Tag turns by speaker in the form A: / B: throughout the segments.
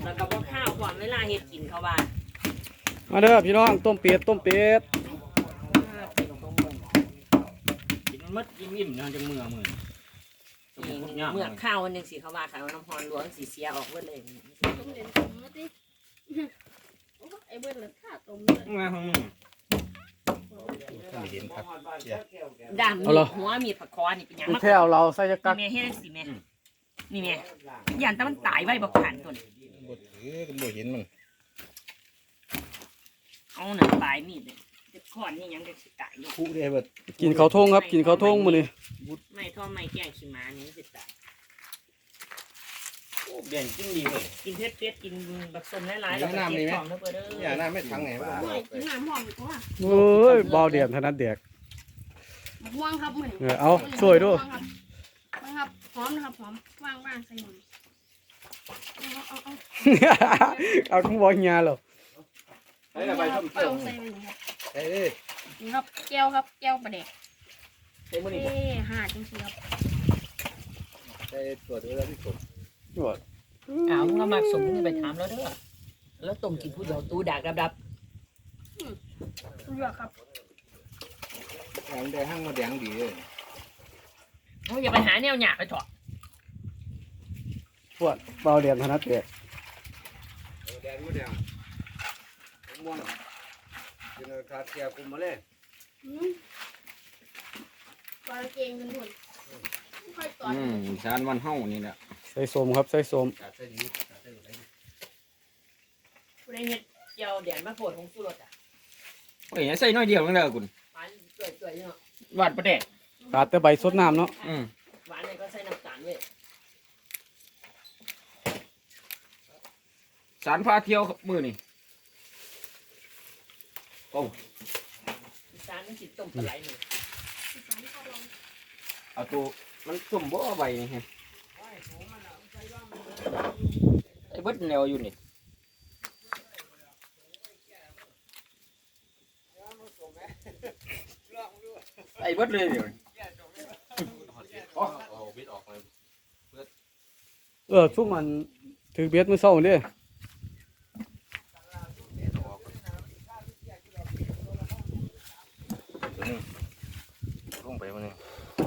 A: แล้วก็พวกข้าวก่อนเวลาเฮ็ดกินเขาว่า
B: มาเด้อพี่น้องต้มเป็ด
C: กินมัดอิ่มๆนะจะเมื่อ
A: ข้าววันหนึ่งสิเขาว่าขายน้ำฮอนหลวงสีเสียออกเบิดเลย
D: ไอ้เบิดเลยข้าต้มเลย
C: งานของมึง
A: ดำหัวมีผักคอนี่เป็นยัง
B: แค่เอาเราใส่จะกัก
A: แม่เฮ็ดสิแม่นี่แม่ยันแต่มันตายไว้บ่ผ่านตัว
C: บ่เห็นมัน
A: เอาหนังปลายมีดเลยจะขอนนี่ยังจะสิตายอยู่
C: คู่ได้เบิด
B: กินข้าวทงครับกินข้าวทงมื้อนี้
A: ไม่ท่อไม่แกงขี้ม้านี่สิตาย
C: โอ้เด่นจริงดีเลย
A: กินเผ็ดกินบักสมหลายๆแล้วก็เก็บของเด้อเด้อ
C: อย่าหน้าไม่ทั้งไงวะ
D: ไม่กินน้ำหอมกว่า
B: เอ้ยเบาเดียนถนัดแดก
D: ว่างครับเหมือน
B: เอาช่วยด้วย
D: ครับหอมนะครับหอมว่างใส่หอมเอา
B: เอาคุณบอกเฮียเหรอ
C: ใส่ไปส้มเขียว
D: ใส่ไปนี่ครับ
C: ใส่เลย
D: นี่ครับแก้วครับแก้วปลาแดก
C: ใส่มื้อนี้
D: ห่าจริงๆครับ
C: ใส่ตัวเดียวแล้วที่สุด
A: อ้าวมึงเอามาสมมึงไปถามแล้วเด้อแล้วต้มกินผู้เดียวตูดากดับ
D: เลือกครับ
C: แดงได้ห้างมาแดงดีเลย
A: ๆอย่าไปหาแนวหยาบไปเถอะ
B: พวกเบาเดียนถนัดแดก
C: แดงมาแดงม่วงกินขาดแก่คุมมาเลย
D: ปลาเกงกันหมดค่อยต่อ
C: ชานวันเฮานี่แหละ
B: ใส่สมครับใส่สม
C: ขาดใส่ดีขาดใส่อะไร
A: ผู้ใดเฮ็ดเจียวแดนมาโผล่ของสุรสอ่ะ
C: โอ้ยใส่น้อยเดียวนั่นแหละคุณ
A: หวานสวยๆเนาะ
C: หวานประเดะ
B: ขาดแต่ใบสดน้ำเนาะ
A: หวานเลยก็ใส่น้ำตาลเว้ย
C: สารพาเที่ยวมือนี่โอ้
A: ตาลมันสิต้มปลาไหลนี่
C: เอาตัวมันส้มบ่ใบนี่ฮะไอ้เบิดแนวอยู่นี่ไอ้เบิดเลยเดี๋ยว
B: ซุ่มมันถือเบ็ดมื้อเช้าเด้
C: ลงไปมันนี่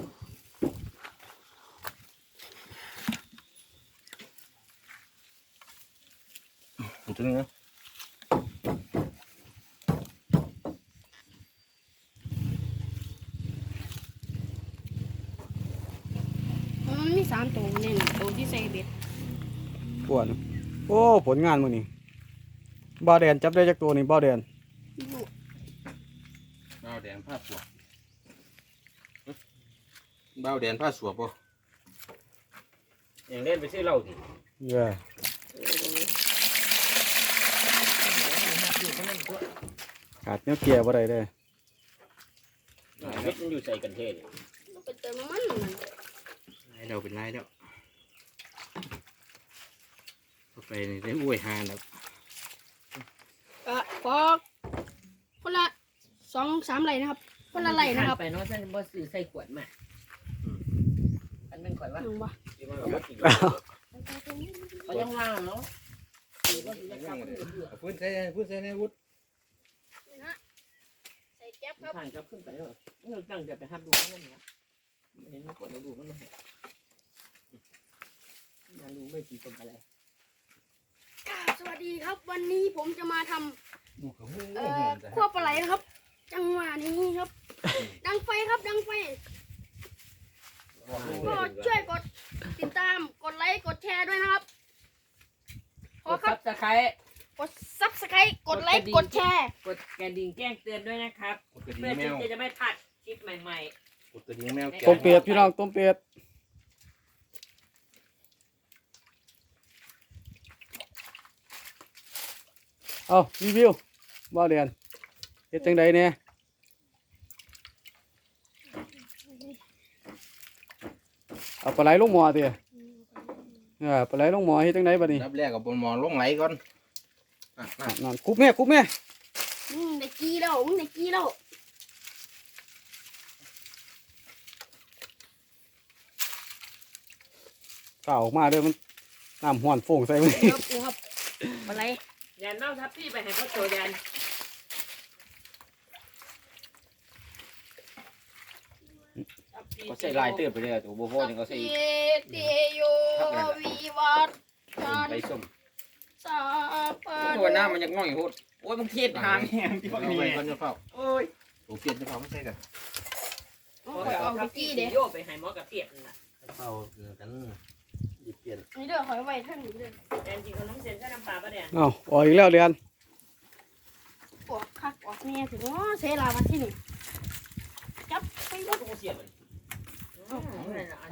C: ถึงนะ
D: มันมี3ตัวเนี่ยตัวที่ใส่เบ็ด
B: ปวดโอ้ผลงานมื้อนี้เบาเดียนจับได้จักตัวนี่เบาเดียน
C: บ้าวแดงผ้าสวบบ้าวแดงผ้าสวบป่ะอย่างเล่นไปซื้อเหล้าดิ
B: เด้อขาดแนวเกียร์บ่ได้เด้อ
C: เม็ดมันอยู่ใส่กันเทศ
D: มันเป็นเติมมัน
C: ไล่เราเป็นไล่แล้วไปนี่ได้อวยหาแล้ว
D: พอคนละ2-3ไหลนะครับคนละไหลนะครับ
A: ไปเนาะฉันบ่ซื้อใส่ขวดมาอันเป็นข่อยว่า
D: หนึ่งวะ
A: เขายังว่างเนาะ
C: พูดใส่ในวุฒิ
D: ใส่แก๊บครับ
A: ผ่านก็ขึ้นไปแล้วเราตั้งใจไปห้ามดูนั่นเนี่ยเห็นขวดเราดูมันไม่ยังดูไม่ตีตรงอะไร
D: สวัสดีครับวันนี้ผมจะมาทำ
C: ดูเขาหู
D: ขั้วปลาไหลนะครับ จังหวะนี้ครับ ดังไฟครับดังไฟก็ช่วยกดติดตามกดไลค์กดแชร์ด้วยนะครับข
A: ก
D: อ
A: ด
D: ครั
A: ซั
D: บบ
A: สไครต์
D: กดซับสไครต์กดไลค์กดแชร์
A: กดกระดิ่งแจ้งเตือนด้วยนะครับ
C: กดกระดิ่
A: เพื่อง
C: แม
A: ที่
C: ว
A: จะไม่พลาดคลิปใหม่
C: กดกระดิ่งแมว
B: ต้มเป็ดพี่น้องต้มเป็ดเอารีวิวเบาเดียนเฮ็ดจังไดเนี่ยเอาปลาไหลลงหม้อติปลาไหลลงหม้อเฮ็ดจังไดบัดนี้
C: รับแรกกับบนมองลงไหลก่อน
B: นั่นคุบแม่
D: ได้กี้แล้วได้กี้แล้ว
B: ข้าวออกมาเด้อมันน้ำห้อนโฟงใส่มัน
D: ครับอะไร
A: แดนเล่าทับพี่ไปให้เขาโจแดน
C: ก็ใส่ลายเติบไปเลยตัวโบโหนี่ก็ใส่
D: เตโยวิวัฒกัน
C: ไปส้ม
D: สาปะ
C: ตัวน้ำมันยังง่อยโหดโอ้ยมึงเทียดหางแหงที่พวกนี้มันจะเฝ้าโอ้ยโอเปลี่ยนจะเฝ้าไม่ใช่กัน
D: เอา
A: เขา
D: ไป
A: เอา
D: เอาไป
A: ทับ
D: กี้
A: พี่
D: เด้
A: โยไปให้หมอกับเปียกนั่นน่ะ
C: เฝ้ากันหยิบเปลี่ยน
D: นี่เด้อขอยไว้ท่านนี้เด้อ
A: แดนจริงเอาน้ำเส้นใส่น้ำปลาปะเนี่ย
B: เอ้าออกอีกแล้วเรียน
D: ออกคักออกแม่ถึงว่าเสลามาที่นี่จับไป
A: เราต้องเสียบมันเอา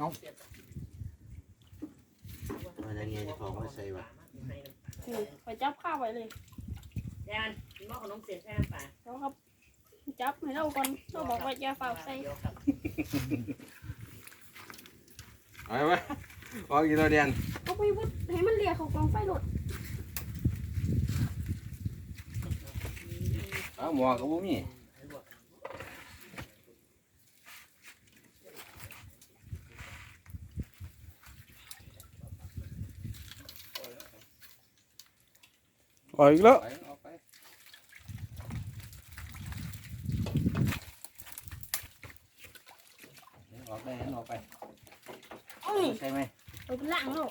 C: อะไรเงี้ยจะของไม่ใส่วะ
D: นี่ไปจับข้าวไว้เลย
A: แดนกินหม้อขนมเส้นใส่น้ำปลา
D: แล้วครับจับให้เราก่อนเราบอกว่าอย่าเฝ้าใส่
C: เอาไหมพอกินตัวเดียน
D: เอาไปวุดให้มันเลียเขากองไฟหลด
C: เอาหมอกับบุ้มี
B: ออกอีกแล้ว
C: ไปเอาไปออกได้ออกไป
D: เอ้ย
C: ใช่ไหม
D: ไปเป็นล่างแล้ว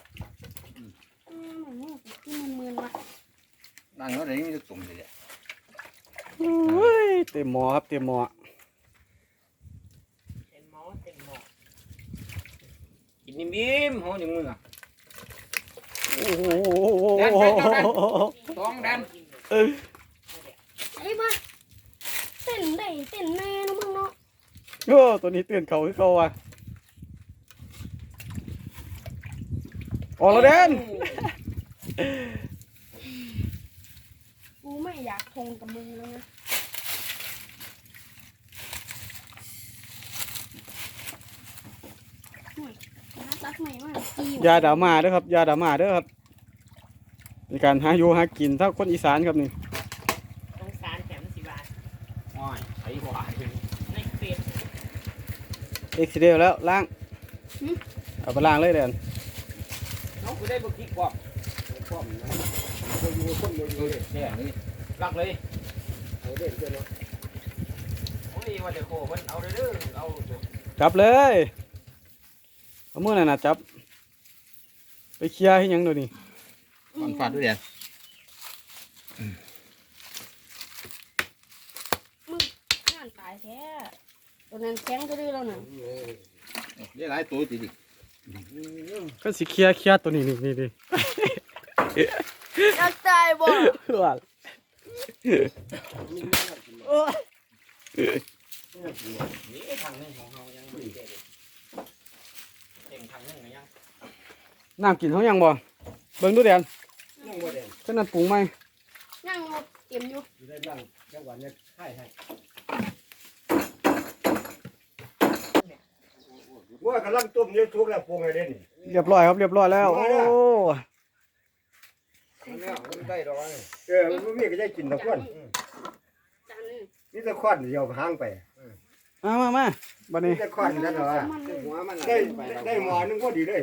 D: ที่มืนๆว่ะ
C: นั่งแล้วเดี๋ยวนี้มันจะตุ่มเลย
B: โอ้ยเต็มหมอครับเต็มหมอ
A: เต็มหม้อเต็มหม้อ
C: กินนิ่มๆห้องอย่างมึงอ่ะ
B: โอ้โห
C: ต้องดัน
D: ไอ้บ้าเต้นได้เต้นแน่เนาะมึงเนาะ
B: โอ้ตัวนี้ตื่นเขาคือเขาว่ะออกแล้วเด่น
D: กูไม่อยากทงกับมึงแล้วนะน่ารักใหม่มากจี
B: ยาดามาเด้อครับยาดามาเด้อครับในการหาอยู่หากินถ้าคนอีสานครับนี่
A: ต้องสารแถมสิบบาท
C: อ้อยไอ้หวาย
A: ในเฟซ
B: เอ็กซิเดลแล้วล้างเอาไปล้างเลยเด่น
C: น้องกูได้บุกที่กว่าความนะคนอยู่คนอยู่เนี่ยนี่รักเลยเอาเด่นเจ้าเนาะโอ้ยว่าจะโคมันเอาเด้อเอา
B: จับเลยเอามือนั่นน่ะจับไปเคลียร์ให้หยังเดี๋ยวนี้
C: มันฟาดด้วยเด่น
D: งานตายแท้ตัวนั้นแข็งก็ดื้อแล้วน่ะ
C: เรียกหลายตัวติดิ
B: ก็สิเคลียร์ตัวนี้นี่ดิ
D: อยากตายบ่
B: ว่า
C: นี่ทางนึงของเรายังไม่เต็มทางนึงยัง
B: น้ำกินเขายังบ่เบิ่งดูเด่น
C: ยังบ่เด่น
B: ขนาดปรุงไหม
D: นั่งรถเตรียมอยู่
C: ได้ยังจังหวะนี้ให้ว่ากำลังต้มเนื้อทุกแล้วปรุงอะไรนี่
B: เรียบร้อยครับเรียบร้อยแล้วโอ้
C: ได้ดอกมันมีก็ได้กินตะควัน
D: จานนึง
C: นี่ตะควันเดียวห่างไป
B: มาบัดนี้
C: ตะควันนั่นเหรอหัวมันได้หมอนึงก็ดีเลย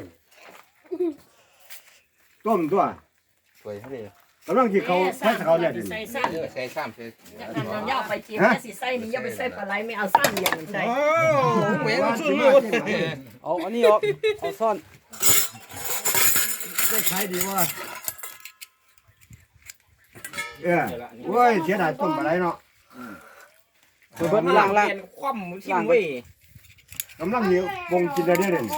C: ต้มตัวสวยเท่าไหร่กำลังที่เขาใช้เขาเนี่ย
A: ใส่ซ้ำ
C: ใส่ซ้ำใส่
A: น้ำยาไปเจียวสิใส่นี่อย่าไปใส่ปลาไหลไม่เอาซ้ำอย่างใส่
C: โอ้เหม็นสุดเลย
B: เอาอันนี้ออกเอาซ่อน
C: ได้ขายดีว่าโอ้ยเสียดายต้มอะไรเนาะ
B: เบิดล้าง
C: คว่ำชิมเว้ยกำลังเหนียวปงกินได้เด่น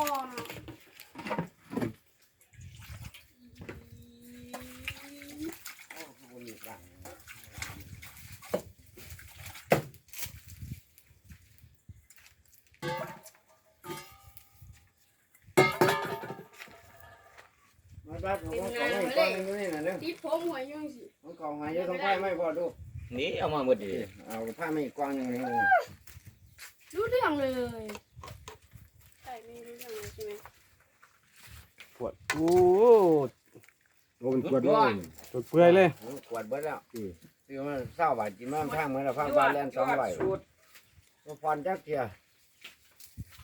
D: ติดผมหัวยังสิ
C: ของหายต้องผ้าไม่พอดูนี่เอามาหมดดิเอาผ้าไม่กว้างยังไง
D: รู้เรื่องเลยใช่ไม่รู้เรื่องเลยใช่ไหม
B: ปวดโอ้
C: โอ้ยปวดด้วย
B: ปวดเปื่อยเลย
C: ปวดเบิดแล้วคือมันเศร้าบาดกินมันพังเหมือนเราพังบาดแลน2ใบมาพรจักเทีย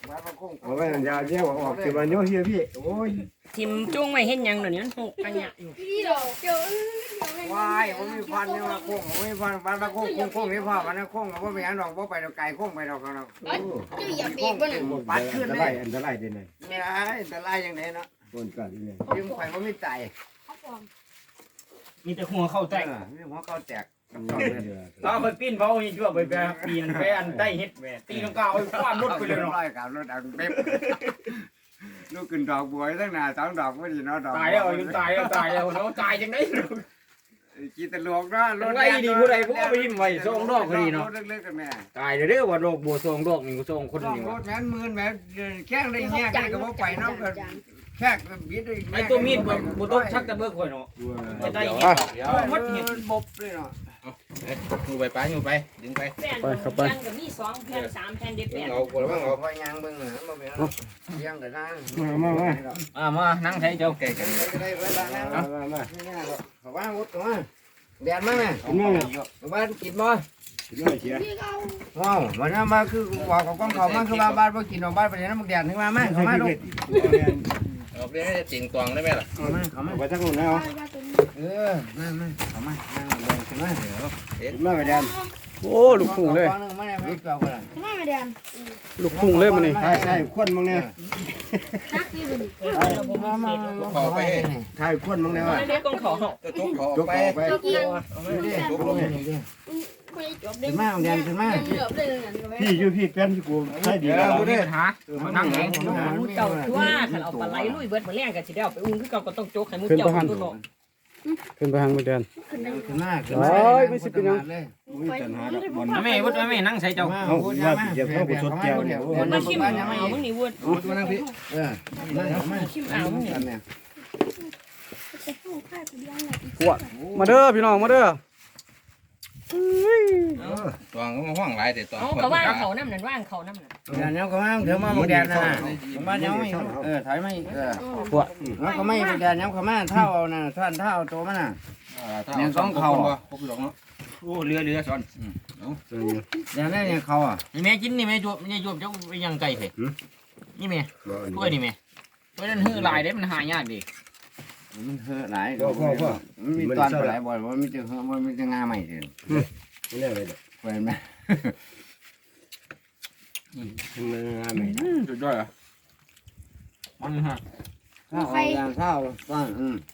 C: เอาไว้ยาเยี่ยวออกสิวันนี้เฮียพี่โอ้ย
A: ทิมจุ้งไว้เห็นยังเดี๋ยวนี้มันหกอันเนี้ยอยู่
D: พี่ดอกเกี่ยว
C: วายผมมีพันนี่มาโค้งผมมีพันพันมาโค้งโค้งนี่พ่อมันนะโค้งกับว่าไม่อันดอกว่าไปดอกไก่โค้งไปดอกกันดอก
D: เจ้าอย่าเบรกบ่น่ะ
C: ปัดขึ้น
E: อันต
C: เล
E: ราย
C: ย
E: อันตรายเด้เนี่ย
C: ไม่ได้แต่ลายอย่างนี้เนาะ
E: ต้นกันนี่
C: ยืมไข่ก็ไม่ใจ
D: เอาปอม
A: มีแต่หัวเข้าแตก
C: นี่หัวเขาแตก
A: เราไปปิ้นเบาอีกชั่วไปปีนไปอันใต้เฮ็ดแหวตีลังกาเอาคว้านรถไปเลยเนาะ
C: ร้อยกับรถอันเป๊บลูกขึ้นดอกบัวตั้งนานสองดอกไม่ดีเนาะดอก
A: ตายแล้วอยู่ตายแล้วตายแล้วเนาะตายจังได๋
C: กีตะลวกเนาะรถ
A: ไว้ดีผู้ใดผู้เอาไปยิ้มไว้ส่งดอกก็ดีเนาะ
C: รถเล็กๆกันแม่
A: ตายเด้อว่าดอกบัวส่งดอกนี่ก็ส่งคน
C: ดอก
A: นี่
C: ร
A: ว่า
C: ถแม่นหมื่นแม่นแข้งได้แง่กันก็บ่ไปเนาะก็แค่บิดได้
A: ไอ้ตัวมีดบ่ต้องชักตะเบิกข่อยเนาะจะได้เฮ็ดดอกเดียว
C: หมดเห็นบบเลยเนาะ
E: อยู่ไปป้าอยู่ไปดึงไป
A: แผ่นก็มี2แผ่น3แผ่นเด็ดแผ่น
E: เอาคนละบ้างเอา
C: พอยางเบิ่งน่ะบ่แม่นยังก็ได้
A: มานั่งใช้เจ้า
E: แก่กัน
C: ได้เวลาแล้ว
E: มา
C: เขาว่าวุดตัวแดดมาแม่
E: เอามา
C: บ้านกินบ่
E: เชีย
D: พี่เอา
C: ว้าววันนั้นมาคือบอกกับกองเขามาคือว่าบ้านบ่กินดอกบ้านไปนั้นมึงแดดถึงมาแม่เขามาลูก
E: เอาไปให้จริงตวงได้ไหมล่ะ
C: เขามาเขามา
E: ไปทั้งคนแล้ว
D: ไปว่าตัวนี้
C: มาเขามาเบิ่งขึ้นมา
E: มาไปแดน
B: โอ้ลูกพุ่งเลย
C: มาได้ไม่เกี่ยวกัน
D: ทำไมไม่เดิน
B: ลูกพุ่งเลยมันนี่
E: ใช่ใช่ควนมึงเนี่ย
D: นักที่สุด
C: ขอไป
E: ถ่ายควนมึงเนี่ย
A: เด็กกองขอ
E: จะจุกเขาไป
C: ไป
D: เจ้ากิน
E: จุกลง
D: ไปจบเด็ก
C: ขึ้นมาแดดขึ้นมา
D: เหลือบเลยนั่นก็ไว้
E: พี่อยู่พี่แป้นที่กูใช่ดี
A: เดี๋ยว
E: แล้ว
A: บ่ได้ปัญหานั่งเองมูเจ้าทั่วคันเอาปลาไหลลุยเบิดมาแล้งก็สิได้เอาไปอุ้มคือเก่าก็ต้องโจกให้มูเจ้าตัวเนาะ
B: ขึ้นไปทางมือแดน
C: ขึ้นมา
E: มีปัญหาดอกบอล
A: แม่วุฒิแม่นั่งใส่เจ้า
E: เอาว่าเจ็บเข้าไปสดแก้วเนี่ย
A: วุฒิมาชิมเอามึงนี่วุฒิ
C: ตัวนั่งพี่มา
A: ชิมเอามึงนี่
B: มาเด้อพี่น้องมาเด้อ
E: ตวงก็มาห้องหลายแต่ตวง
A: เอาก็ว่างเขาน้ำนั่นว่างเขาน้ำนั่น
C: แดดเนี้ยก็มาเดี๋ยวมาแดดนะมาเนี้ยไม่ถอยไม่แล้วก็ไม่แดดเนี้ยเขามาเท่าน่ะท่านเท่าตัวมันน่ะ
E: เนี่ยสองเขาครบหรอกเนาะ
A: โอ้เรือซ้อน
C: แดดนี่เนี่ยเขาอ่ะ
A: นี่แม่กินนี่แม่จวบนี่จวบเจ้าไปยังไก่เถอะนี่แม่ถ้วยนี่แม่ถ้วยนั้นหื้อลายได้มันหายากดิ
C: มันเหือหลายมันมีตอนหลายบ่อยมันมีแต่เหือมันมีแต่งาใหม่เลย
E: ไม่ได้เลย
C: เห็นไหม
E: มันงานไหม
A: สุดยอดอ่ะมันฮะ
C: ข้าวข้าว